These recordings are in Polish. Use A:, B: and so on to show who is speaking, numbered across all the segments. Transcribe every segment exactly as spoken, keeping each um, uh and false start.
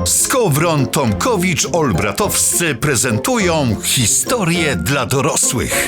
A: Skowron, Tomkowicz, Olbratowscy prezentują historię dla dorosłych.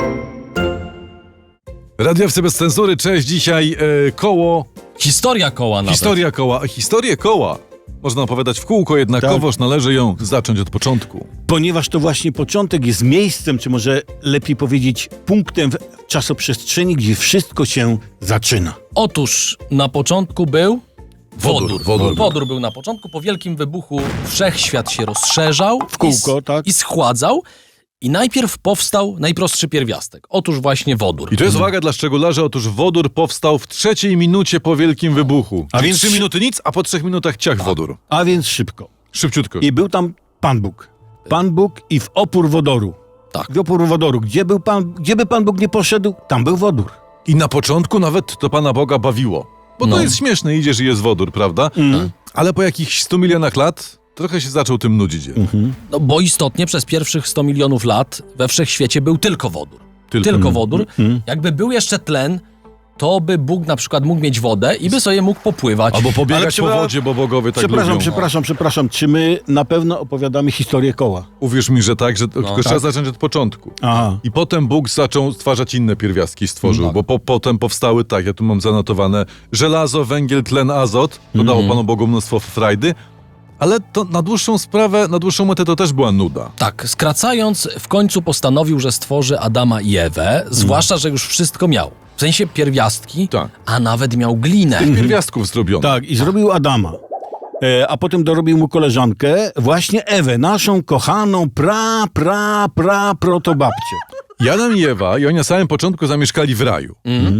B: Radiowcy bez cenzury, cześć, dzisiaj e, koło...
C: Historia koła nawet.
B: Historia koła, historię koła. Można opowiadać w kółko, jednakowoż tak. Należy ją zacząć od początku.
D: Ponieważ to właśnie początek jest miejscem, czy może lepiej powiedzieć punktem w czasoprzestrzeni, gdzie wszystko się zaczyna.
C: Otóż na początku był wodór.
B: Wodór, wodór.
C: Wodór był na początku. Po wielkim wybuchu wszechświat się rozszerzał
D: W kółko,
C: i,
D: tak.
C: i schładzał. I najpierw powstał najprostszy pierwiastek. Otóż właśnie wodór.
B: I to jest uwaga dla szczególarzy, otóż wodór powstał w trzeciej minucie po wielkim wybuchu.
D: A
B: A
D: więc-
B: więc trzy minuty nic, a po trzech minutach ciach wodór.
D: A więc szybko.
B: Szybciutko.
D: I był tam Pan Bóg. Pan Bóg i w opór wodoru.
C: Tak.
D: W opór wodoru. Gdzie, był Pan, gdzie by Pan Bóg nie poszedł, tam był wodór.
B: I na początku nawet to Pana Boga bawiło. Bo
C: No.
B: to jest śmieszne, idziesz i jest wodór, prawda?
D: Mhm.
B: Ale po jakichś stu milionach lat trochę się zaczął tym nudzić.
D: Mhm.
C: No bo istotnie przez pierwszych sto milionów lat we wszechświecie był tylko wodór.
B: Tylko.
C: Tylko wodór.
D: Mhm.
C: Jakby był jeszcze tlen, to by Bóg na przykład mógł mieć wodę i by sobie mógł popływać.
B: Albo
D: Ale
B: pobiegać
D: trzeba-
B: po wodzie, bo bogowie tak
D: Przepraszam,
B: lubią.
D: przepraszam, przepraszam. Czy my na pewno opowiadamy historię koła?
B: Uwierz mi, że tak, że to, tylko
C: tak.
B: trzeba zacząć od początku.
D: Aha.
B: I potem Bóg zaczął stwarzać inne pierwiastki, stworzył,
C: Tak.
B: bo po, potem powstały, tak, ja tu mam zanotowane, żelazo, węgiel, tlen, azot, to dało Panu Bogu mnóstwo frajdy, ale to na dłuższą sprawę, na dłuższą metę to też była nuda.
C: Tak, skracając, w końcu postanowił, że stworzy Adama i Ewę, zwłaszcza, że już wszystko miał. W sensie pierwiastki,
B: Tak.
C: a nawet miał glinę.
B: Tych pierwiastków zrobiono.
D: Tak, i zrobił Adama. E, a potem dorobił mu koleżankę, właśnie Ewę, naszą kochaną pra, pra, pra, protobabcię.
B: I Adam i Ewa, i oni na samym początku zamieszkali w raju.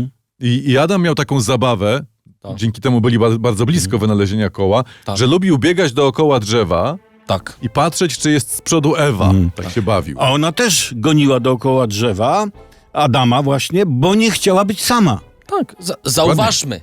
B: I, I Adam miał taką zabawę,
C: Tak.
B: dzięki temu byli ba- bardzo blisko wynalezienia koła,
C: Tak.
B: że lubił biegać dookoła drzewa
C: Tak.
B: i patrzeć, czy jest z przodu Ewa. Tak się bawił.
D: A ona też goniła dookoła drzewa, Adama właśnie, bo nie chciała być sama.
C: Tak, za- zauważmy.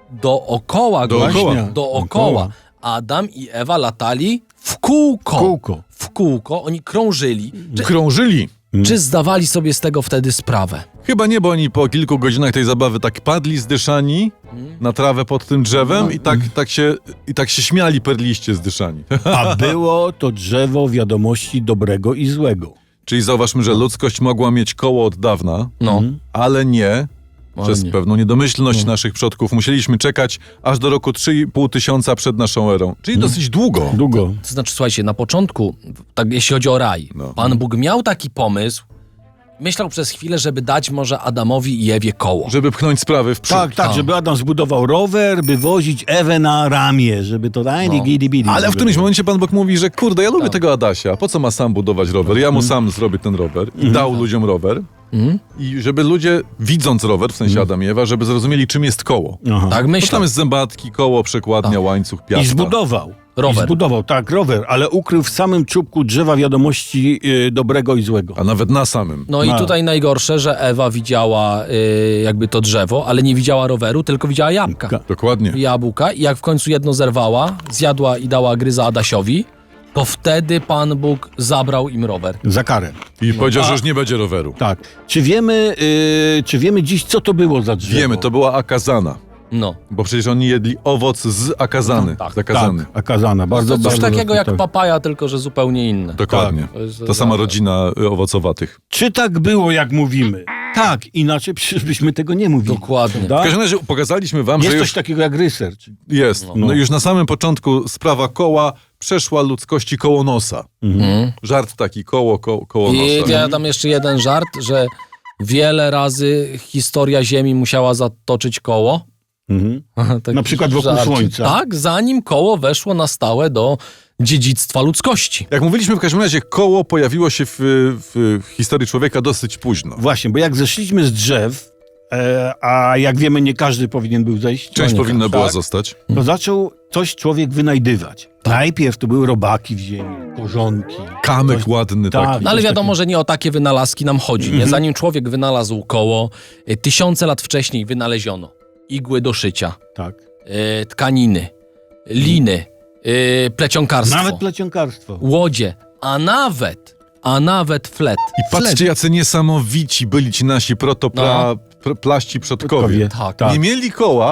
C: Dookoła,
B: Dookoła.
C: gościa,
D: Właśnie.
C: dookoła.
D: Dookoła.
C: Adam i Ewa latali w kółko.
D: Kółko.
C: W kółko, oni krążyli. Czy,
B: Krążyli.
C: czy zdawali sobie z tego wtedy sprawę?
B: Chyba nie, bo oni po kilku godzinach tej zabawy tak padli zdyszani na trawę pod tym drzewem i tak, tak, się, i tak się śmiali perliście zdyszani.
D: A było to drzewo wiadomości dobrego i złego.
B: Czyli zauważmy, że ludzkość mogła mieć koło od dawna,
C: No.
B: ale nie
C: Ale
B: przez
C: nie.
B: pewną niedomyślność naszych przodków. Musieliśmy czekać aż do roku trzy i pół tysiąca przed naszą erą. Czyli dosyć długo.
D: Długo.
C: To znaczy, słuchajcie, na początku, tak jeśli chodzi o raj,
B: No.
C: Pan Bóg miał taki pomysł, myślał przez chwilę, żeby dać może Adamowi i Ewie koło.
B: Żeby pchnąć sprawy w przód.
D: Tak, tak,
C: A.
D: żeby Adam zbudował rower, by wozić Ewę na ramię, żeby to daj,
C: No.
D: gidi, bidi.
B: Ale w którymś momencie Pan Bóg mówi, że kurde, ja lubię
C: Tak.
B: tego Adasia, po co ma sam budować rower? Ja mu sam zrobię ten rower i dał ludziom rower.
C: Mhm.
B: I żeby ludzie, widząc rower, w sensie Adam i Ewa, żeby zrozumieli, czym jest koło.
D: Aha.
C: Tak
B: Bo
C: myślał.
B: tam jest zębatki, koło, przekładnia, łańcuch, piasta.
D: I zbudował.
C: Rower.
D: I zbudował, tak, rower, ale ukrył w samym czubku drzewa wiadomości y, dobrego i złego.
B: A nawet na samym.
C: No i
D: No.
C: tutaj najgorsze, że Ewa widziała y, jakby to drzewo, ale nie widziała roweru, tylko widziała jabłka.
D: Ka-
B: Dokładnie.
C: Jabłka i jak w końcu jedno zerwała, zjadła i dała gryza Adasiowi, to wtedy Pan Bóg zabrał im rower.
D: Za karę.
B: I powiedział,
D: A-
B: że już nie będzie roweru.
D: Tak. Czy wiemy, y, czy wiemy dziś, co to było za drzewo?
B: Wiemy, to była akazana.
C: No.
B: Bo przecież oni jedli owoc z akazany.
C: No, tak.
B: Zakazany.
D: Tak, akazana. Bardzo,
C: To coś
D: bardzo
C: takiego jak
D: tak.
C: papaja, tylko że zupełnie inne.
B: Dokładnie.
C: Tak. To jest-
B: Ta sama rodzina y, owocowatych.
D: Czy tak było, jak mówimy? Tak, inaczej przecież byśmy tego nie mówili.
C: Dokładnie.
D: Prawda?
B: W każdym razie pokazaliśmy wam,
D: Jest
B: że
D: coś
B: już
D: takiego jak research.
B: jest. No. już na samym początku sprawa koła przeszła ludzkości koło nosa.
C: Mhm.
B: Żart taki, koło, koło, koło
C: I
B: nosa.
C: ja dam jeszcze jeden żart, że wiele razy historia Ziemi musiała zatoczyć koło.
D: Mhm.
C: Taki
D: Na przykład wokół
C: żarcik.
D: Słońca.
C: Tak, zanim koło weszło na stałe do dziedzictwa ludzkości.
B: Jak mówiliśmy, w każdym razie koło pojawiło się w, w historii człowieka dosyć późno.
D: Właśnie, bo jak zeszliśmy z drzew, e, a jak wiemy, nie każdy powinien był zejść,
B: Część
D: no nie
B: powinna
D: każdy,
B: była
D: tak,
B: zostać.
D: to zaczął coś człowiek wynajdywać. Najpierw to były robaki w ziemi, korzonki.
B: Kamek
D: Coś-
B: ładny
D: tak.
B: taki.
C: No ale
D: coś
C: wiadomo, że nie o takie wynalazki nam chodzi. Nie? Zanim człowiek wynalazł koło, y, tysiące lat wcześniej wynaleziono igły do szycia,
D: Tak.
C: y, tkaniny, liny, y, plecionkarstwo,
D: Nawet plecionkarstwo.
C: łodzie, a nawet, a nawet flet.
B: I patrzcie, jacy niesamowici byli ci nasi protoplaści przodkowie.
D: Przodkowie.
C: Tak.
D: Tak.
B: Nie mieli koła,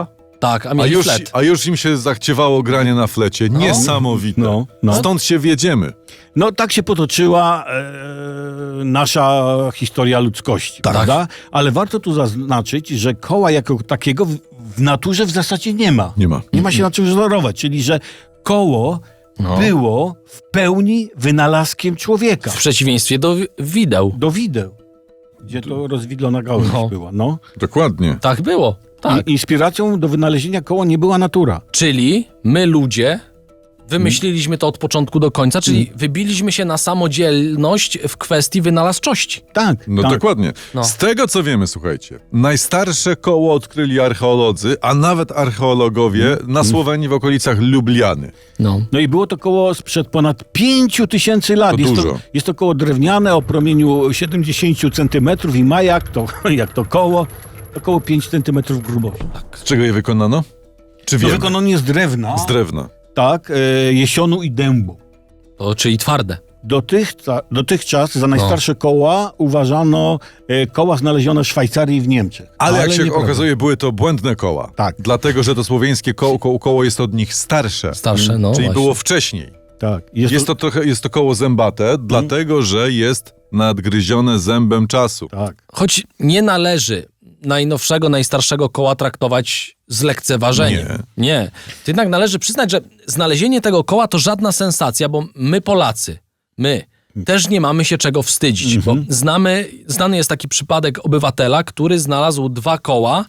C: Tak, a
B: A
C: mieli
B: już,
C: flet.
B: a już im się zachciewało granie na flecie. Niesamowite.
D: No, no.
B: Stąd się wiedziemy.
D: No tak się potoczyła e, nasza historia ludzkości,
C: Tak.
D: prawda? Ale warto tu zaznaczyć, że koła jako takiego w, w naturze w zasadzie nie ma.
B: Nie ma.
D: Nie ma się na czym wzorować, czyli że koło
C: No.
D: było w pełni wynalazkiem człowieka.
C: W przeciwieństwie do wi- wideł.
D: Do wideł, gdzie to rozwidlona gałąź
C: No.
D: była. No.
B: Dokładnie.
C: Tak było, tak.
D: I, inspiracją do wynalezienia koła nie była natura.
C: Czyli my ludzie wymyśliliśmy to od początku do końca, czyli wybiliśmy się na samodzielność w kwestii wynalazczości.
D: Tak,
B: No
D: tak.
B: dokładnie.
C: No.
B: Z tego co wiemy, słuchajcie, najstarsze koło odkryli archeolodzy, a nawet archeologowie
D: Mm.
B: na Słowenii w okolicach Lubliany.
C: No.
D: No i było to koło sprzed ponad pięciu tysięcy lat.
B: To
D: jest,
B: dużo.
D: To, jest to koło drewniane o promieniu siedemdziesiąt centymetrów i ma jak to, jak to koło, około pięć centymetrów grubości.
B: Z czego je wykonano? Czy
D: To
B: wiemy?
D: wykonanie z drewna,
B: Z drewna.
D: tak, e, jesionu i dębu.
C: To, czyli twarde.
D: Dotychca, dotychczas za najstarsze koła uważano e, koła znalezione w Szwajcarii i w Niemczech.
B: Ale, jak się
D: nieprawda.
B: okazuje, były to błędne koła.
D: Tak.
B: Dlatego, że to słowiańskie koło, koło, koło jest od nich starsze.
C: Starsze, no
B: Czyli
C: właśnie.
B: było wcześniej.
D: Tak. Jest,
B: Jest to trochę, jest to koło zębate, dlatego, że jest nadgryzione zębem czasu.
D: Tak.
C: Choć nie należy najnowszego, najstarszego koła traktować z lekceważeniem.
B: Nie.
C: Nie. To jednak należy przyznać, że znalezienie tego koła to żadna sensacja, bo my Polacy, my też nie mamy się czego wstydzić, bo znamy, znany jest taki przypadek obywatela, który znalazł dwa koła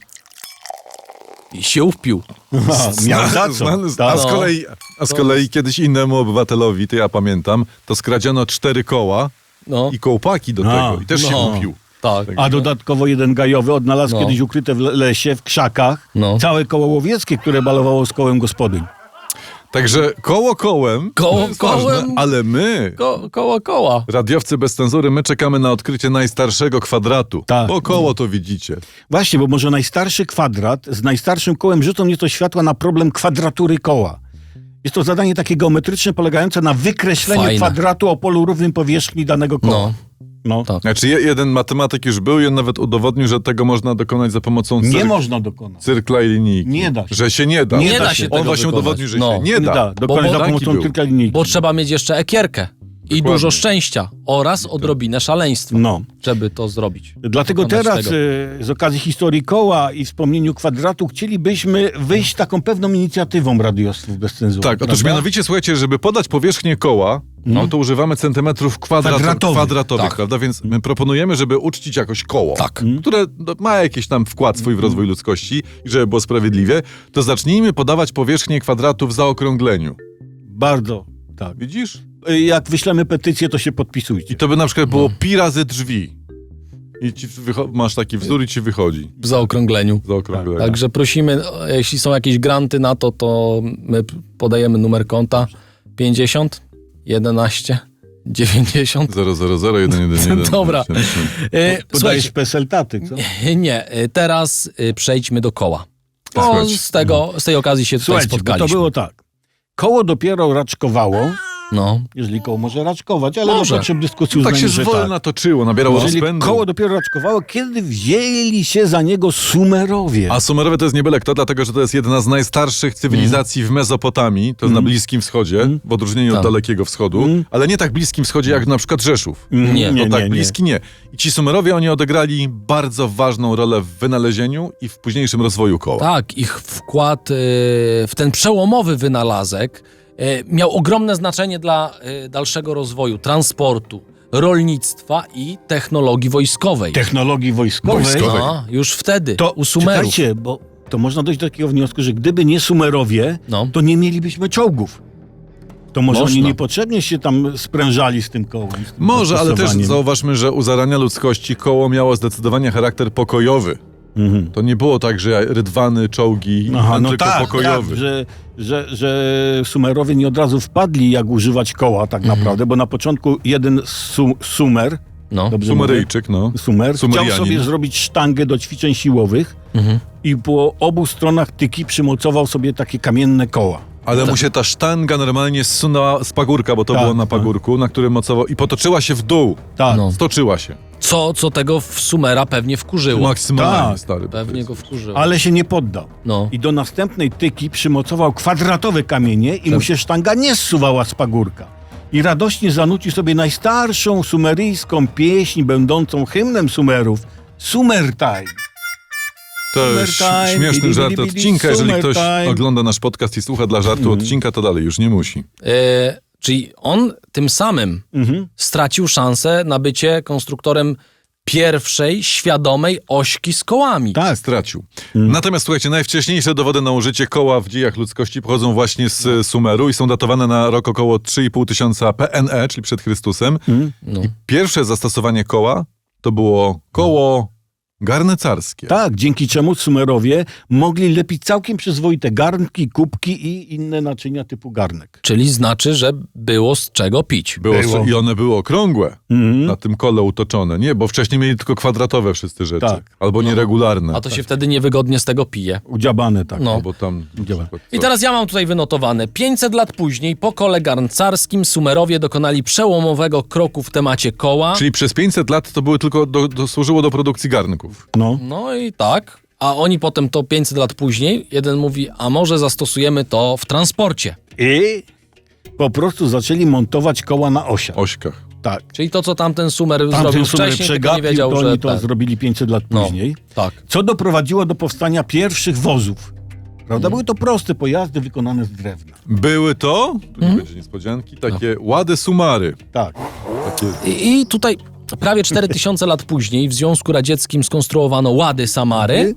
C: i się upił.
D: Aha, miał za co.
B: Znany- a,
D: Tak.
B: z kolei, a z kolei kiedyś innemu obywatelowi, to ja pamiętam, to skradziono cztery koła
C: No,
B: i kołpaki do
D: A,
B: tego. I też się
C: no.
B: upił.
C: tak.
D: A dodatkowo jeden gajowy odnalazł
C: No.
D: kiedyś ukryte w le- lesie, w krzakach,
C: No.
D: całe koło łowieckie, które balowało z kołem gospodyń.
B: Także koło kołem,
C: Koło
B: to jest ważne,
C: kołem.
B: ale my,
C: Ko, koło koła.
B: radiowcy bez cenzury, my czekamy na odkrycie najstarszego kwadratu.
D: Tak.
B: Bo koło to widzicie.
D: Właśnie, bo może najstarszy kwadrat z najstarszym kołem rzucą nieco światła na problem kwadratury koła. Jest to zadanie takie geometryczne polegające na wykreśleniu
C: Fajne.
D: kwadratu o polu równym powierzchni danego koła.
C: No.
D: No.
C: Tak.
B: Znaczy je- jeden matematyk już był i on nawet udowodnił, że tego można dokonać za pomocą
D: Nie
B: cyr-
D: można dokonać.
B: cyrkla i linijki.
D: Nie da się.
B: Że się nie da.
D: Nie
C: Nie
D: da
C: da
D: się
C: się
B: On
C: tego
B: właśnie
C: wykonać.
B: udowodnił, że
C: No.
B: się nie
D: Nie
B: da.
D: da, dokonać
C: bo
D: za
B: taki
D: pomocą
B: był.
D: tylko linijki.
C: Bo trzeba mieć jeszcze ekierkę i
B: Dokładnie.
C: dużo szczęścia oraz odrobinę szaleństwa,
D: No.
C: żeby to zrobić.
D: Dlatego
C: Dokonać
D: teraz
C: tego.
D: e, z okazji historii koła i wspomnieniu kwadratu chcielibyśmy wyjść taką pewną inicjatywą radiostwów bez cenzury.
B: Tak, otóż
D: prawda?
B: mianowicie, słuchajcie, żeby podać powierzchnię koła, no to używamy centymetrów kwadrat,
D: Kwadratowych.
B: kwadratowych,
C: Tak.
B: prawda? Więc my proponujemy, żeby uczcić jakoś koło,
C: Tak.
B: które no, ma jakiś tam wkład swój w rozwój ludzkości i żeby było sprawiedliwie, to zacznijmy podawać powierzchnię kwadratu w zaokrągleniu.
D: Bardzo, tak.
B: Widzisz?
D: E, Jak wyślemy petycję, to się podpisujcie.
B: I to by na przykład było pi razy drzwi. I ci wycho- masz taki wzór i ci wychodzi
C: W zaokrągleniu.
B: zaokrąglenie.
C: Także prosimy, o, jeśli są jakieś granty na to, to my p- podajemy numer konta pięćdziesiąt, jedenaście, dziewięćdziesiąt.
B: zero zero zero jeden jeden jeden.
C: Dobra. E,
D: Podajesz P S L taty, co?
C: słuchajcie, nie, e, teraz e, przejdźmy do koła. Bo
B: Słuchajcie.
C: z, tego, z tej okazji się tutaj
D: Słuchajcie, bo
C: spotkaliśmy.
D: to było tak. Koło dopiero raczkowało,
C: No,
D: jeżeli koło może raczkować, ale
C: Może.
D: do potrzeb dyskusji
B: Tak się
D: uznajmy, że
B: zwolna
D: tak.
B: toczyło, nabierało
D: Jeżeli
B: rozpędu.
D: koło dopiero raczkowało, kiedy wzięli się za niego Sumerowie.
B: A Sumerowie to jest nie byle kto, dlatego że to jest jedna z najstarszych cywilizacji w Mezopotamii, to jest na Bliskim Wschodzie, w odróżnieniu od
C: Tak.
B: Dalekiego Wschodu, ale nie tak Bliskim Wschodzie jak na przykład Rzeszów.
D: Mm,
C: nie,
B: No
D: nie,
B: tak,
D: nie, nie.
B: bliski nie. I ci Sumerowie, oni odegrali bardzo ważną rolę w wynalezieniu i w późniejszym rozwoju koła.
C: tak, ich wkład e, w ten przełomowy wynalazek e, miał ogromne znaczenie dla e, dalszego rozwoju transportu, rolnictwa i technologii wojskowej.
D: Technologii wojskowej.
B: Wojskowej.
C: A, już wtedy,
D: To
C: u Sumerów.
D: czekajcie, bo to można dojść do takiego wniosku, że gdyby nie Sumerowie,
C: No.
D: to nie mielibyśmy czołgów. To może
C: Można.
D: oni niepotrzebnie się tam sprężali z tym kołem. Z tym
B: Może, ale też
D: zastosowaniem.
B: zauważmy, że u zarania ludzkości koło miało zdecydowanie charakter pokojowy.
D: Mhm.
B: To nie było tak, że rydwany, czołgi,
D: Aha, no
B: tylko
D: tak,
B: pokojowy.
D: tak że, że, że Sumerowie nie od razu wpadli, jak używać koła tak
C: Mhm.
D: naprawdę, bo na początku jeden su Sumer,
C: No.
D: dobrze mówię?
B: Sumeryjczyk, no.
D: Sumer, chciał
B: Sumerianin.
D: sobie zrobić sztangę do ćwiczeń siłowych
C: Mhm.
D: i po obu stronach tyki przymocował sobie takie kamienne koła.
B: Ale mu się ta sztanga normalnie zsunęła z pagórka, bo to
D: Tak,
B: było na
D: tak.
B: pagórku, na którym mocował i potoczyła się w dół.
D: Tak.
C: No.
B: Stoczyła się.
C: Co, co tego w Sumera pewnie wkurzyło.
B: Maksymalnie,
D: Tak.
B: stary.
C: Pewnie go wkurzyło.
D: Ale się nie poddał.
C: No.
D: I do następnej tyki przymocował kwadratowe kamienie i mu się sztanga nie zsuwała z pagórka. I radośnie zanucił sobie najstarszą sumeryjską pieśń, będącą hymnem Sumerów, Sumer Time.
B: To
D: Summer
B: jest
D: time,
B: śmieszny
D: bidi,
B: żart
D: bidi, bidi,
B: odcinka. Jeżeli
D: summer
B: ktoś
D: time.
B: ogląda nasz podcast i słucha dla żartu odcinka, to dalej już nie musi.
C: E, czyli on tym samym
D: Mhm.
C: stracił szansę na bycie konstruktorem pierwszej świadomej ośki z kołami.
D: Tak.
B: Stracił. Natomiast słuchajcie, najwcześniejsze dowody na użycie koła w dziejach ludzkości pochodzą właśnie z e, Sumeru i są datowane na rok około trzy i pół tysiąca P N E, czyli przed Chrystusem.
C: No.
B: I pierwsze zastosowanie koła to było koło garncarskie.
D: Tak, dzięki czemu Sumerowie mogli lepić całkiem przyzwoite garnki, kubki i inne naczynia typu garnek.
C: Czyli znaczy, że było z czego pić.
B: Było,
D: Było.
B: I one były okrągłe,
D: Mhm.
B: na tym kole utoczone. Nie, bo wcześniej mieli tylko kwadratowe wszyscy rzeczy.
D: Tak.
B: Albo nieregularne.
C: A to się wtedy niewygodnie z tego pije.
D: Udziabane tak.
C: No.
B: Albo tam...
D: Działa.
C: I teraz ja mam tutaj wynotowane. pięćset lat później po kole garncarskim Sumerowie dokonali przełomowego kroku w temacie koła.
B: Czyli przez pięćset lat to były tylko do, do, służyło do produkcji garnków.
D: No.
C: No i tak. A oni potem to pięćset lat później, jeden mówi, a może zastosujemy to w transporcie.
D: I po prostu zaczęli montować koła na osiach.
B: Ośkach.
D: Tak.
C: Czyli to, co tamten Sumer zrobił
D: Tamten Sumer
C: wcześniej, tylko nie
D: przegapił,
C: wiedział,
D: to
C: że...
D: oni to
C: tak.
D: zrobili pięćset lat
C: No,
D: później.
C: tak.
D: Co doprowadziło do powstania pierwszych wozów. Prawda? Były to proste pojazdy wykonane z drewna.
B: Były to, tu
C: Mhm.
B: nie będzie niespodzianki, takie łady Sumary.
D: Tak.
B: Takie...
C: I, I tutaj prawie cztery tysiące lat później w Związku Radzieckim skonstruowano łady Samary,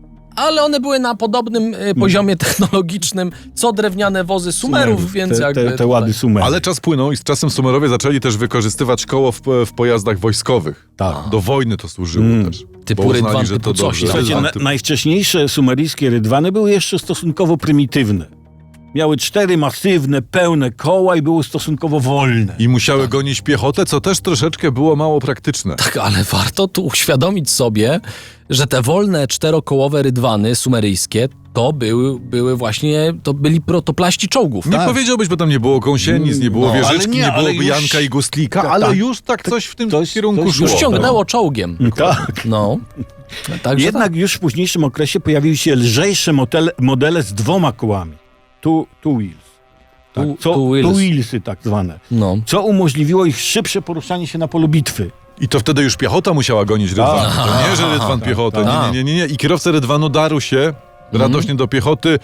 C: ale one były na podobnym e, poziomie technologicznym co drewniane wozy Sumerów, więc
D: te,
C: jakby...
D: te, te
C: tutaj-
D: łady Sumery.
B: Ale czas płynął i z czasem Sumerowie zaczęli też wykorzystywać koło w, w pojazdach wojskowych.
D: Tak.
B: Do wojny to służyło
D: Mm.
B: też.
C: Typu
B: bo uznali,
C: rydwan,
B: że to
C: typu coś
B: dobrze.
C: tam.
D: Słuchajcie,
B: Rydwan
D: na,
B: typu-
D: najwcześniejsze sumeryjskie rydwany były jeszcze stosunkowo prymitywne. Miały cztery masywne, pełne koła i były stosunkowo wolne.
B: I musiały gonić piechotę, co też troszeczkę było mało praktyczne.
C: Tak, ale warto tu uświadomić sobie, że te wolne czterokołowe rydwany sumeryjskie to były, były właśnie, to byli protoplaści czołgów.
B: Nie
D: Tak.
B: powiedziałbyś, bo tam nie było gąsienic, nie było
C: No,
B: wieżyczki,
D: ale
B: nie,
D: nie, ale
B: byłoby
D: już-
B: Janka i Gustlika,
D: Tak,
B: ale
D: tak.
B: już tak coś w tym
D: Coś-
B: kierunku
D: coś
B: szło.
C: Już ciągnęło czołgiem.
D: Tak.
C: No. Także
D: Jednak
C: tak.
D: już w późniejszym okresie pojawiły się lżejsze modele, modele z dwoma kołami. Two, two wheels. Tak,
C: Two-
D: co,
C: two wheels.
D: two wheelsy tak zwane.
C: No.
D: Co umożliwiło ich szybsze poruszanie się na polu bitwy.
B: I to wtedy już piechota musiała gonić rydwan. To nie, że rydwan piechotę. Nie, nie, nie, nie. I kierowca rydwanu darł się radośnie do piechoty.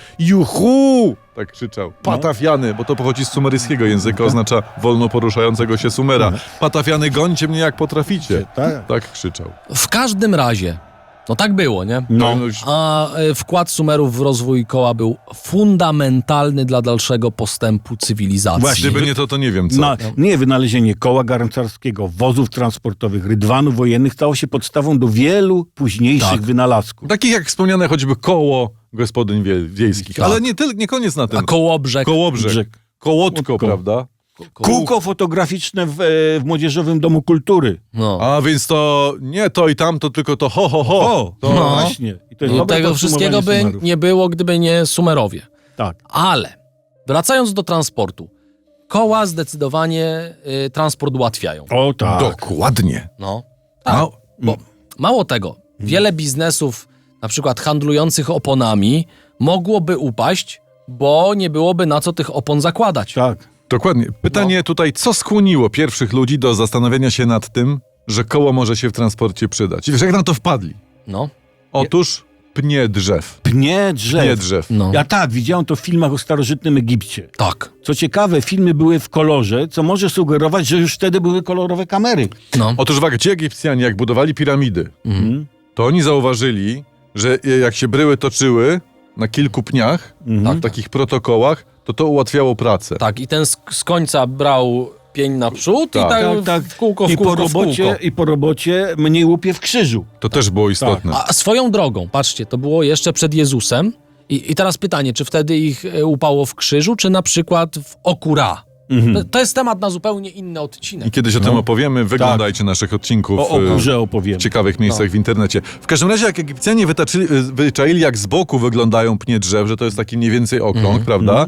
B: Juhu! Tak krzyczał. Patafiany, bo to pochodzi z sumeryjskiego języka, oznacza wolno poruszającego się Sumera. Patafiany, gońcie mnie jak potraficie.
D: Tak.
B: Tak krzyczał.
C: W każdym razie, no tak było, nie?
D: No.
B: już-
C: A e, wkład Sumerów w rozwój koła był fundamentalny dla dalszego postępu cywilizacji.
D: Właśnie.
B: Gdyby nie to, to nie wiem co.
D: Na, nie, wynalezienie koła garncarskiego, wozów transportowych, rydwanów wojennych stało się podstawą do wielu późniejszych
C: Tak.
D: wynalazków.
B: Takich jak wspomniane choćby koło gospodyń wie, wiejskich.
C: Tak.
B: Ale nie, tyl, nie koniec na tym.
C: A kołobrzeg.
B: Kołobrzeg.
D: Brzeg.
B: Kołotko,
D: Kołotko.
B: prawda?
D: Kółko fotograficzne w, e, w Młodzieżowym Domu Kultury.
C: No.
B: A więc to nie to i tamto, tylko to ho, ho, ho.
D: O, to
C: No.
D: właśnie. I to jest
C: I
D: dobre
C: tego
D: podsumowanie
C: wszystkiego by
D: Sumerów.
C: nie było, gdyby nie Sumerowie.
D: Tak.
C: Ale wracając do transportu, koła zdecydowanie y, transport ułatwiają.
D: O tak.
B: Dokładnie.
C: No. Tak.
B: A,
C: Bo mało tego, wiele biznesów, na przykład handlujących oponami, mogłoby upaść, bo nie byłoby na co tych opon zakładać.
D: Tak.
B: dokładnie. Pytanie tutaj, co skłoniło pierwszych ludzi do zastanowienia się nad tym, że koło może się w transporcie przydać? I wiesz, jak na to wpadli?
C: No.
B: Otóż pnie drzew.
D: Pnie drzew.
B: Pnie drzew.
C: No.
D: Ja tak, widziałem to w filmach o starożytnym Egipcie.
C: Tak.
D: Co ciekawe, filmy były w kolorze, co może sugerować, że już wtedy były kolorowe kamery.
C: No.
B: Otóż uwaga, ci Egipcjanie, jak budowali piramidy,
D: Mhm.
B: to oni zauważyli, że jak się bryły toczyły na kilku pniach,
D: Mhm.
B: w takich protokołach, to to ułatwiało pracę.
C: Tak, i ten z, z końca brał pień naprzód
B: Tak.
C: i tak,
D: Tak, tak.
C: w kółko, w
D: I,
C: kółko,
D: po
C: w kółko.
D: robocie, I po robocie mniej łupie w krzyżu.
B: To też było istotne.
C: A swoją drogą, patrzcie, to było jeszcze przed Jezusem. I, i teraz pytanie, czy wtedy ich e, upało w krzyżu, czy na przykład w oku Ra?
D: Mhm.
C: To, to jest temat na zupełnie inny
B: I
C: odcinek.
B: kiedyś o tym opowiemy, wyglądajcie naszych odcinków
D: O
B: e,
D: okurze opowiemy.
B: w ciekawych miejscach w internecie. W każdym razie, jak Egipcjanie wytaczyli, wyczaili, jak z boku wyglądają pnie drzew, że to jest taki mniej więcej okrąg, prawda?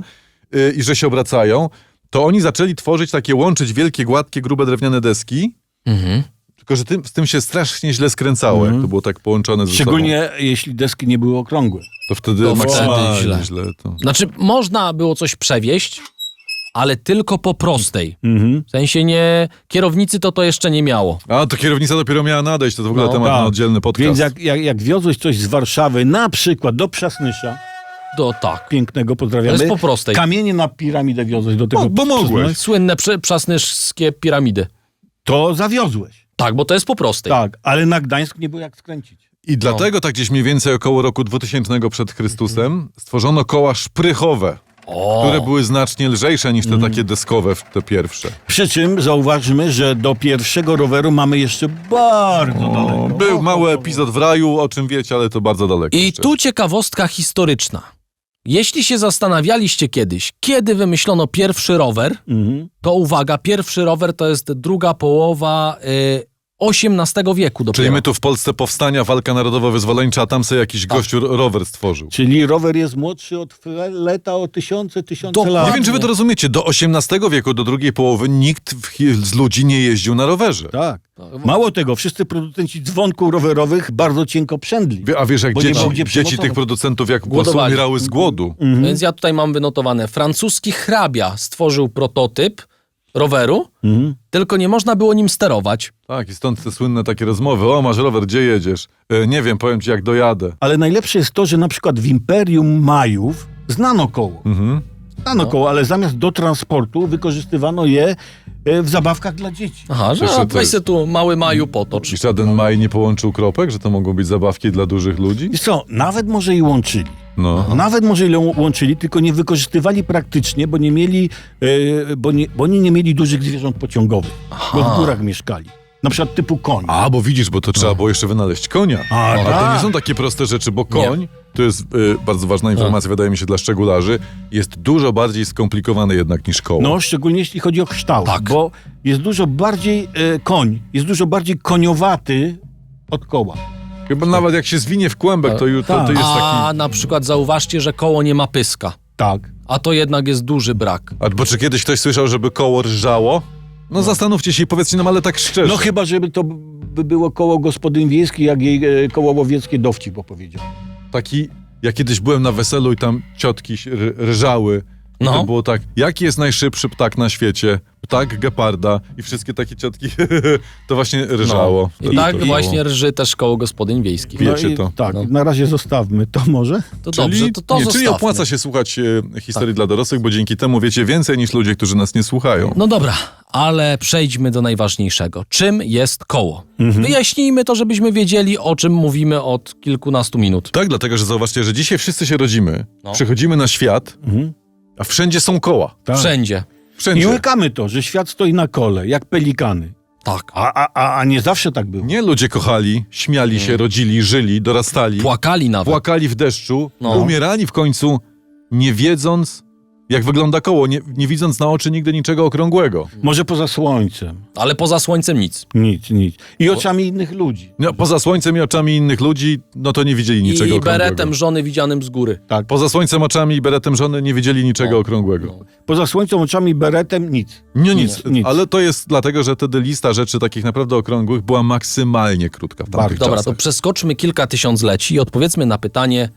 B: yy, i że się obracają, to oni zaczęli tworzyć takie, łączyć wielkie, gładkie, grube drewniane deski,
C: Mhm.
B: tylko że tym, z tym się strasznie źle skręcało, jak to było tak połączone ze sobą.
D: Szczególnie jeśli deski nie były okrągłe.
B: To wtedy
C: To
B: maksymalnie
C: wtedy źle.
B: źle. to.
C: Znaczy, można było coś przewieźć, ale tylko po prostej.
D: Mhm.
C: W sensie nie... Kierownicy to to jeszcze nie miało.
B: A, to kierownica dopiero miała nadejść, to w ogóle
C: No,
B: temat
D: tak.
B: na oddzielny podcast.
D: Więc jak, jak, jak wiozłeś coś z Warszawy, na przykład do Przasnysza,
C: To tak.
D: pięknego,
C: To
D: pozdrawiamy,
C: jest po prostej.
D: kamienie na piramidę wiozłeś do tego
B: Bo- bo mogłeś.
D: Przasnysia,
C: Słynne prze- przasnyskie piramidy.
D: to zawiozłeś.
C: Tak, bo to jest po prostej.
D: Tak, ale na Gdańsk nie było jak skręcić.
B: I dlatego tak gdzieś mniej więcej około roku dwutysięcznego przed Chrystusem stworzono koła szprychowe,
C: O,
B: które były znacznie lżejsze niż te
D: Mm.
B: takie deskowe, te pierwsze.
D: Przy czym zauważmy, że do pierwszego roweru mamy jeszcze bardzo daleko.
B: Był mały epizod w raju, o czym wiecie, ale to bardzo daleko.
C: I
B: jeszcze.
C: tu ciekawostka historyczna. Jeśli się zastanawialiście kiedyś, kiedy wymyślono pierwszy rower,
D: Mhm.
C: to uwaga, pierwszy rower to jest druga połowa y, osiemnastego wieku dopiero.
B: Czyli my tu w Polsce powstania, walka narodowo-wyzwoleńcza, a tam sobie jakiś gościu rower stworzył.
D: Czyli rower jest młodszy od leta o tysiące, tysiące
C: Dokładnie.
D: lat.
B: Nie wiem, czy wy to rozumiecie, do osiemnastego wieku, do drugiej połowy nikt w, z ludzi nie jeździł na rowerze.
D: Tak. Mało tego, wszyscy producenci dzwonków rowerowych bardzo cienko przędli.
B: Wie- A wiesz, jak
D: Bo nie
B: dzieci,
D: było gdzie
B: dzieci
D: przygotować.
B: tych producentów, jak po prostu
C: Głodowali.
B: umierały z głodu.
C: Więc ja tutaj mam wynotowane. Francuski hrabia stworzył prototyp roweru,
D: Mhm.
C: tylko nie można było nim sterować.
B: Tak, i stąd te słynne takie rozmowy. O, masz rower, gdzie jedziesz? E, nie wiem, powiem ci, jak dojadę.
D: Ale najlepsze jest to, że na przykład w Imperium Majów znano koło.
B: Mhm.
D: Znano koło, ale zamiast do transportu wykorzystywano je e, w zabawkach dla dzieci.
C: Aha, że
B: Proszę,
C: a,
B: to
C: weź
B: jest-
C: se tu mały Maju potocz.
B: I żaden maj nie połączył kropek, że to mogą być zabawki dla dużych ludzi?
D: Wiesz co, nawet może i łączyli.
B: No.
D: Nawet może i łą- łączyli, tylko nie wykorzystywali praktycznie, bo nie mieli, e, bo, nie, bo oni nie mieli dużych zwierząt pociągowych, bo w górach mieszkali. Na przykład typu koń.
B: A, bo widzisz, bo to trzeba było jeszcze wynaleźć konia.
D: A,
B: A to
D: tak.
B: nie są takie proste rzeczy, bo koń, to jest y, bardzo ważna informacja, wydaje mi się, dla szczegularzy, jest dużo bardziej skomplikowany jednak niż koło.
D: No, szczególnie jeśli chodzi o kształt,
C: Tak.
D: bo jest dużo bardziej, e, koń jest dużo bardziej koniowaty od koła.
B: Chyba nawet jak się zwinie w kłębek, to, ju- to, to
D: Tak.
B: jest
C: A
B: taki...
C: na przykład zauważcie, że koło nie ma pyska.
D: Tak.
C: A to jednak jest duży brak.
B: A bo czy kiedyś ktoś słyszał, żeby koło rżało? No, zastanówcie się i powiedzcie nam, ale tak szczerze.
D: No chyba, żeby to by było koło gospodyń wiejskich, jak jej e, koło łowieckie dowcip opowiedział.
B: Taki, ja kiedyś byłem na weselu i tam ciotki się r- rżały. I
C: No.
B: to było tak, jaki jest najszybszy ptak na świecie? Ptak geparda. I wszystkie takie ciotki, to właśnie rżało.
C: I
B: Wtedy
C: tak
B: to
C: właśnie rży też koło gospodyń wiejskich.
B: Wie-
D: No
B: Wiecie
D: i
B: to.
D: Tak,
C: No.
D: na razie zostawmy to może.
C: To
B: Czyli,
C: dobrze, to, to
B: nie, czyli
C: zostawmy.
B: opłaca się słuchać e, historii dla dorosłych, bo dzięki temu wiecie więcej niż ludzie, którzy nas nie słuchają.
C: No dobra, ale przejdźmy do najważniejszego. Czym jest koło? Wyjaśnijmy to, żebyśmy wiedzieli, o czym mówimy od kilkunastu minut.
B: Tak, dlatego, że zauważcie, że dzisiaj wszyscy się rodzimy,
C: No.
B: przychodzimy na świat,
D: Mhm.
B: a wszędzie są koła.
D: Tak.
C: Wszędzie.
D: I
B: Wszędzie.
D: łykamy to, że świat stoi na kole, jak pelikany.
C: Tak.
D: A, a, a, a nie zawsze tak było.
B: Nie ludzie kochali, śmiali się, rodzili, żyli, dorastali,
C: Płakali nawet.
B: płakali w deszczu,
C: No.
B: umierali w końcu, nie wiedząc, jak wygląda koło, nie, nie widząc na oczy nigdy niczego okrągłego.
D: Może poza słońcem.
C: Ale poza słońcem nic.
D: Nic, nic. I oczami innych ludzi.
B: No, poza słońcem i oczami innych ludzi, no to nie widzieli niczego
C: I
B: okrągłego.
C: beretem żony widzianym z góry.
D: Tak.
B: Poza słońcem, oczami i beretem żony nie widzieli niczego
C: No.
B: okrągłego.
D: Poza słońcem, oczami, beretem, nic.
B: Nie, nic.
D: nic.
B: Ale to jest dlatego, że wtedy lista rzeczy takich naprawdę okrągłych była maksymalnie krótka w tamtych
C: Dobra, to
B: czasach.
C: przeskoczmy kilka tysiącleci i odpowiedzmy na pytanie,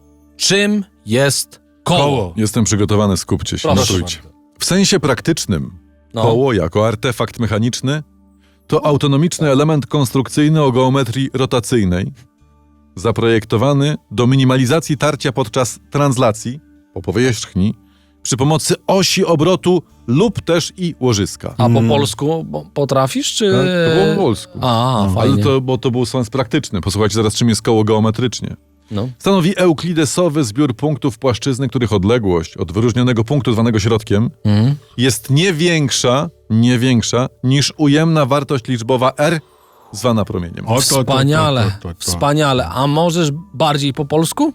C: czym jest koło?
D: Koło.
B: Jestem przygotowany, skupcie się,
C: Proszę
B: notujcie. W sensie praktycznym
C: No.
B: koło jako artefakt mechaniczny to autonomiczny element konstrukcyjny o geometrii rotacyjnej, zaprojektowany do minimalizacji tarcia podczas translacji po powierzchni przy pomocy osi obrotu lub też i łożyska.
C: A po polsku bo- potrafisz, czy...
B: Tak, to było po polsku.
C: A,
B: Ale
C: fajnie.
B: to, bo to był sens praktyczny. Posłuchajcie zaraz, czym jest koło geometrycznie.
C: No.
B: Stanowi euklidesowy zbiór punktów płaszczyzny, których odległość od wyróżnionego punktu zwanego środkiem
C: Mhm.
B: jest nie większa, nie większa niż ujemna wartość liczbowa r zwana promieniem.
D: O, to, to,
C: Wspaniale,
D: to, to, to, to.
C: wspaniale. A możesz bardziej po polsku?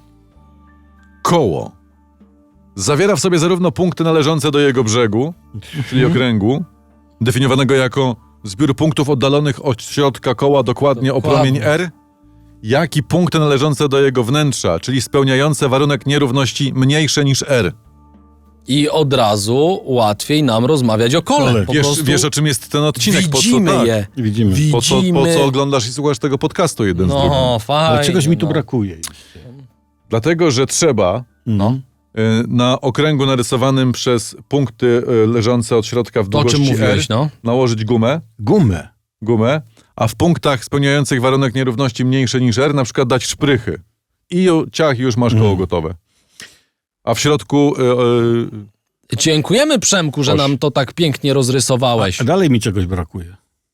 B: Koło zawiera w sobie zarówno punkty należące do jego brzegu, czyli okręgu, definiowanego jako zbiór punktów oddalonych od środka koła dokładnie o
C: Dokładnie.
B: promień r, jak i punkty należące do jego wnętrza, czyli spełniające warunek nierówności mniejsze niż r.
C: I od razu łatwiej nam rozmawiać o kole.
D: Kole.
C: Po
B: Wiesz,
C: prostu
B: wiesz, o czym jest ten odcinek?
C: widzimy
B: po co, tak.
C: je.
D: Widzimy.
B: Po co,
C: Widzimy.
B: po co oglądasz i słuchasz tego podcastu jeden z drugim?
C: No, fajnie.
D: Ale czegoś mi tu
C: no.
D: brakuje.
B: Dlatego, że trzeba
D: No.
B: y, na okręgu narysowanym przez punkty y, leżące od środka w
C: To, o czym
B: długości
C: mówiłeś,
B: R
C: no.
B: nałożyć gumę,
D: Gumę.
B: gumę, a w punktach spełniających warunek nierówności mniejsze niż R na przykład dać szprychy. I ju, ciach, już masz koło
D: Mm.
B: gotowe. A w środku... Y, y,
C: Dziękujemy, Przemku, że
B: Oś.
C: nam to tak pięknie rozrysowałeś.
D: A dalej mi czegoś brakuje.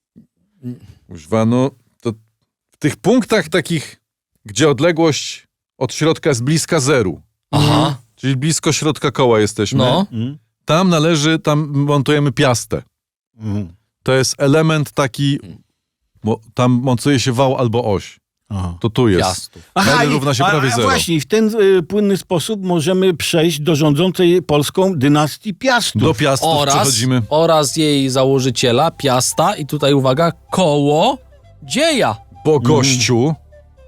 B: Kuźwa, no to w tych punktach takich, gdzie odległość od środka jest bliska zeru,
C: Aha,
B: czyli blisko środka koła jesteśmy,
C: no.
D: Mm?
B: tam należy, tam montujemy piastę.
D: Mm.
B: To jest element taki, bo tam montuje się wał albo oś.
D: Aha.
B: To tu jest.
C: Piastów.
B: L
D: i-
B: równa się
D: a,
B: prawie
D: a
B: zero.
D: właśnie, w ten y, płynny sposób możemy przejść do rządzącej Polską dynastii Piastów.
B: Do piastów
C: Oraz,
B: przechodzimy.
C: oraz jej założyciela, Piasta, i tutaj uwaga, koło dzieja.
B: Bo gościu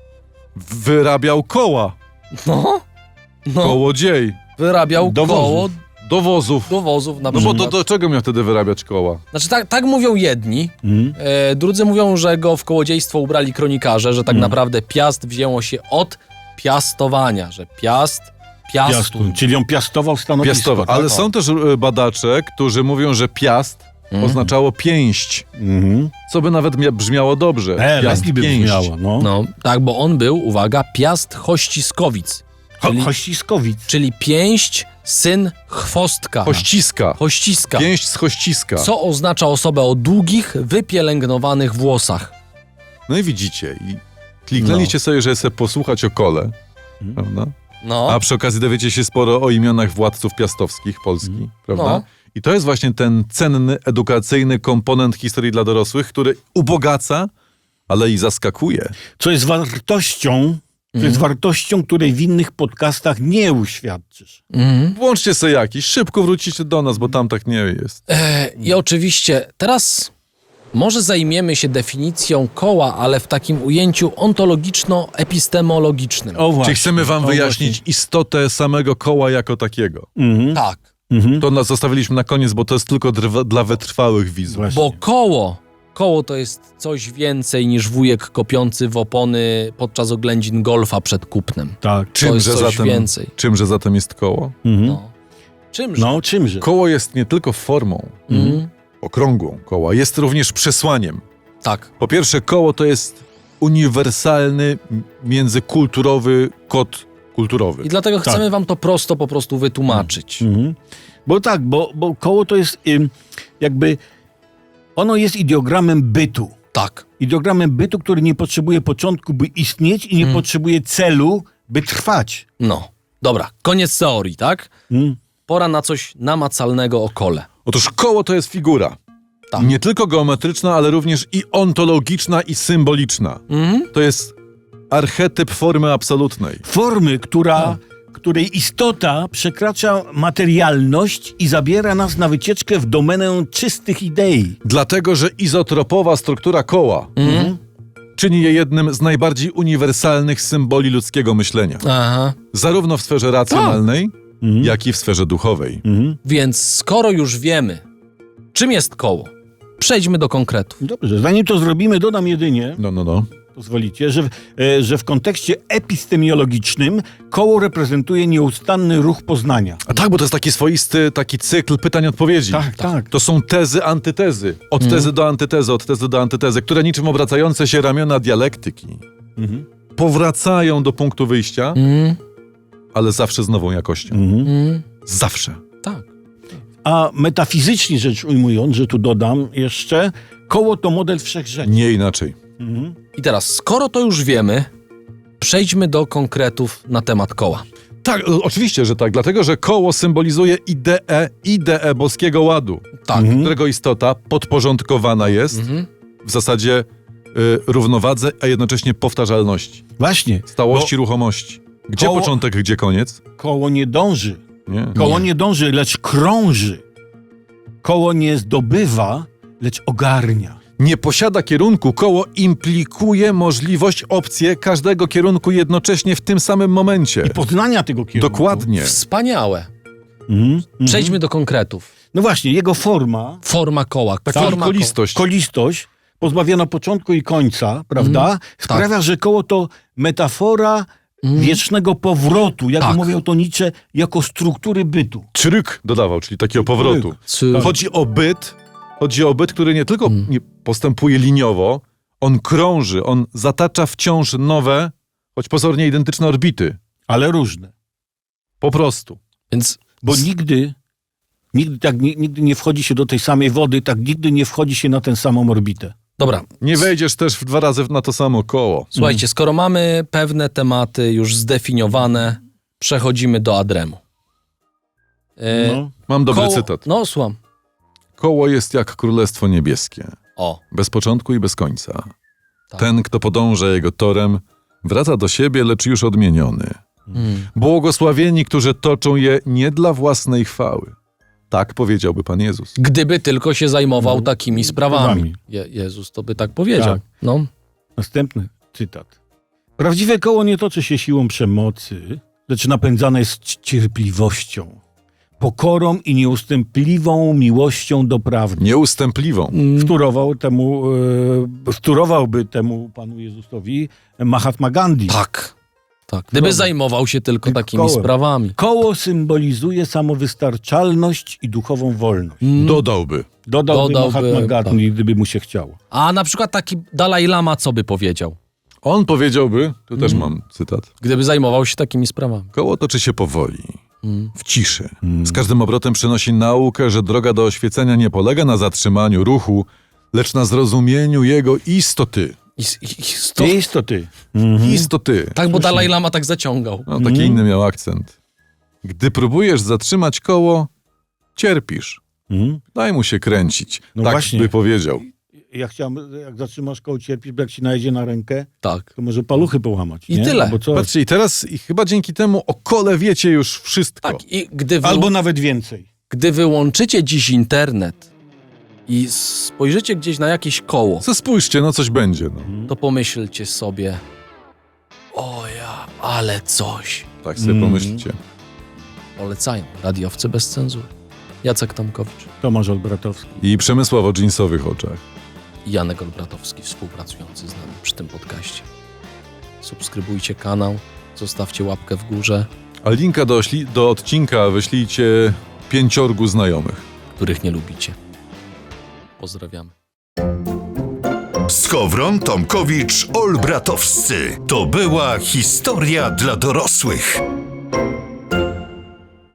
B: wyrabiał koła.
C: No, no.
B: Kołodziej.
C: Wyrabiał
D: Do wozów.
C: koło
B: Do wozów.
C: do wozów na
B: No bo
C: przykład.
B: do, do czego miał wtedy wyrabiać koła?
C: Znaczy tak, tak mówią jedni,
D: Mm?
C: e, drudzy mówią, że go w kołodziejstwo ubrali kronikarze, że tak
B: Mm.
C: naprawdę piast wzięło się od piastowania, że piast, piastu.
D: Piastu. Czyli on piastował stanowisko.
B: Piastowa.
D: tak?
B: Ale są też e, badacze, którzy mówią, że piast oznaczało pięść.
D: Mhm.
B: Co by nawet mia- brzmiało dobrze.
D: E,
B: piast,
D: lepiej by
B: pięść.
D: brzmiało. No.
C: No, tak, bo on był, uwaga, piast Hościskowic,
D: Ho-
C: czyli,
D: Hościskowic.
C: czyli pięść, syn chwostka.
B: Hościska.
C: Hościska.
B: Pięść z hościska.
C: Co oznacza osobę o długich, wypielęgnowanych włosach.
B: No i widzicie. I kliknęliście sobie, że sobie posłuchać o kole. Prawda?
C: No,
B: A przy okazji dowiecie się sporo o imionach władców piastowskich Polski. Prawda?
C: No.
B: I to jest właśnie ten cenny, edukacyjny komponent historii dla dorosłych, który ubogaca, ale i zaskakuje.
D: Co jest wartością, co jest wartością, której w innych podcastach nie uświadczysz.
C: mhm.
B: Włączcie sobie jakiś, szybko wrócicie do nas, bo tam tak nie jest.
C: E, I oczywiście teraz może zajmiemy się definicją koła, ale w takim ujęciu ontologiczno-epistemologicznym.
D: O właśnie.
B: Czy chcemy wam
D: o
B: wyjaśnić istotę samego koła jako takiego?
D: właśnie. Mhm.
C: Tak,
D: Mhm.
B: To nas zostawiliśmy na koniec, bo to jest tylko drwa, dla wytrwałych widzów.
D: Właśnie.
C: bo koło, koło to jest coś więcej niż wujek kopiący w opony podczas oględzin golfa przed kupnem.
D: Tak.
C: To jest
B: Czymże
C: coś
B: zatem,
C: więcej.
B: czymże zatem jest koło?
D: Mhm.
C: No. Czymże?
D: No, czymże?
B: Koło jest nie tylko formą
C: Mhm.
B: okrągłą koła, jest również przesłaniem.
C: Tak.
B: Po pierwsze, koło to jest uniwersalny, m- międzykulturowy kod kulturowy.
C: I dlatego
D: Tak.
C: chcemy wam to prosto po prostu wytłumaczyć.
D: Mhm. Bo tak, bo, bo koło to jest ym, jakby, ono jest ideogramem bytu.
C: Tak.
D: Ideogramem bytu, który nie potrzebuje początku, by istnieć i nie
C: Mm.
D: potrzebuje celu, by trwać.
C: No. Dobra, koniec teorii, tak?
D: Mm.
C: Pora na coś namacalnego o kole.
B: Otóż koło to jest figura.
C: Tak.
B: Nie tylko geometryczna, ale również i ontologiczna, i symboliczna.
C: Mhm.
B: To jest archetyp formy absolutnej.
D: Formy, która, której istota przekracza materialność i zabiera nas na wycieczkę w domenę czystych idei.
B: Dlatego, że izotropowa struktura koła
C: Mhm.
B: czyni je jednym z najbardziej uniwersalnych symboli ludzkiego myślenia.
C: Aha.
B: Zarówno w sferze racjonalnej,
D: Mhm.
B: jak i w sferze duchowej.
D: Mhm.
C: Więc skoro już wiemy, czym jest koło, przejdźmy do konkretów.
D: Dobrze, zanim to zrobimy, dodam jedynie,
B: No, no, no.
D: pozwolicie, że, w- e, że w kontekście epistemiologicznym koło reprezentuje nieustanny ruch poznania.
B: A tak, bo to jest taki swoisty taki cykl pytań-odpowiedzi.
D: tak.
B: To są tezy, antytezy. Od
C: Mhm.
B: tezy do antytezy, od tezy do antytezy, które niczym obracające się ramiona dialektyki
D: Mhm.
B: powracają do punktu wyjścia,
C: Mm,
B: ale zawsze z nową jakością.
D: Mhm.
C: mm,
B: Zawsze.
C: tak.
D: A metafizycznie rzecz ujmując, że tu dodam jeszcze, koło to model wszechrzeczy.
B: Nie inaczej.
D: Mhm.
C: I teraz, skoro to już wiemy, przejdźmy do konkretów na temat koła.
B: Tak, o- oczywiście, że tak, dlatego, że koło symbolizuje ideę, ideę boskiego ładu,
C: Tak.
D: Mhm.
B: którego istota podporządkowana jest
C: Mhm.
B: w zasadzie y, równowadze, a jednocześnie powtarzalności,
D: Właśnie,
B: stałości, ruchomości. Gdzie
D: koło-
B: początek, gdzie koniec?
D: koło nie dąży.
B: Nie.
D: Koło nie dąży, lecz krąży. Koło nie zdobywa, lecz ogarnia.
B: Nie posiada kierunku, koło implikuje możliwość, opcję każdego kierunku jednocześnie w tym samym momencie.
D: I poznania tego kierunku.
B: Dokładnie.
C: Wspaniałe.
D: Mhm. Mhm.
C: Przejdźmy do konkretów.
D: No właśnie, jego forma,
C: Forma koła.
B: Taka
C: Forma koła.
B: kolistość.
D: kolistość, pozbawiona początku i końca, prawda?
C: Mhm.
D: Sprawia, że koło to metafora wiecznego powrotu, jak
C: Tak.
D: mówią to Nietzsche, jako struktury bytu.
B: Czryk dodawał, czyli takiego powrotu.
C: Cy-
B: Chodzi o byt, chodzi o byt, który nie tylko
C: Mm.
B: nie postępuje liniowo, on krąży, on zatacza wciąż nowe, choć pozornie identyczne orbity.
D: Ale różne.
B: Po prostu.
C: Więc
D: Bo
C: s-
D: nigdy, nigdy tak ni- nigdy nie wchodzi się do tej samej wody, tak nigdy nie wchodzi się na tę samą orbitę.
C: Dobra,
B: Nie wejdziesz też w dwa razy na to samo koło.
C: słuchajcie, skoro mamy pewne tematy już zdefiniowane, przechodzimy do Adremu. E,
D: No.
B: Mam dobry
C: koło-
B: cytat.
C: No, słucham.
B: Koło jest jak królestwo niebieskie.
C: O,
B: Bez początku i bez końca.
C: tak.
B: Ten, kto podąża jego torem, wraca do siebie, lecz już odmieniony.
C: Mm.
B: Błogosławieni, którzy toczą je nie dla własnej chwały. Tak powiedziałby Pan Jezus.
C: Gdyby tylko się zajmował
D: No,
C: takimi sprawami.
D: sprawami.
C: Je, Jezus to by tak powiedział.
D: Tak.
C: No.
D: Następny cytat. Prawdziwe koło nie toczy się siłą przemocy, lecz napędzane jest cierpliwością, pokorą i nieustępliwą miłością do prawdy.
B: Nieustępliwą.
D: Wtórował temu, e, wtórowałby temu Panu Jezusowi Mahatma Gandhi.
C: Tak. Tak. Gdyby
D: Dobra.
C: zajmował się tylko
D: Tylko
C: takimi
D: kołem.
C: sprawami.
D: Koło symbolizuje samowystarczalność i duchową wolność.
B: Dodałby.
D: Dodałby,
C: Dodałby,
D: Mahatma Gandhi, gdyby mu się chciało.
C: A na przykład taki Dalaj Lama co by powiedział?
B: On powiedziałby, tu też mam cytat,
C: Gdyby zajmował się takimi sprawami.
B: koło toczy się powoli,
C: Mm.
B: w ciszy. Z każdym obrotem przynosi naukę, że droga do oświecenia nie polega na zatrzymaniu ruchu, lecz na zrozumieniu jego istoty.
C: I, i, i sto...
D: Jest to ty.
B: Istoty.
C: Tak, bo Dalaj Lama tak zaciągał.
B: No, taki inny miał akcent. Gdy próbujesz zatrzymać koło, cierpisz.
D: Mhm.
B: Daj mu się kręcić.
D: No
B: tak
D: właśnie.
B: by powiedział.
D: Ja chciałem, jak zatrzymasz koło, cierpisz, bo jak ci najedzie na rękę,
C: Tak.
D: to może paluchy połamać.
C: I
D: nie?
C: tyle.
D: Albo, coś.
B: Patrzcie, i teraz i chyba dzięki temu o kole wiecie już wszystko.
C: Tak, i gdy, wy...
D: Albo nawet więcej.
C: gdy wyłączycie dziś internet i spojrzycie gdzieś na jakieś koło,
B: Co spójrzcie, no coś będzie. No.
C: to pomyślcie sobie, o ja, ale coś.
B: Tak sobie
D: Mm.
B: pomyślcie.
C: Polecają radiowcy bez cenzury. Jacek Tomkowicz
D: Tomasz Olbratowski.
B: I Przemysław o dżinsowych oczach.
C: i Janek Olbratowski, współpracujący z nami przy tym podcaście. Subskrybujcie kanał, zostawcie łapkę w górze,
B: A linka do, śli- do odcinka wyślijcie pięciorgu znajomych.
C: których nie lubicie. Pozdrawiamy.
A: Skowron, Tomkowicz, Olbratowscy. To była historia dla dorosłych.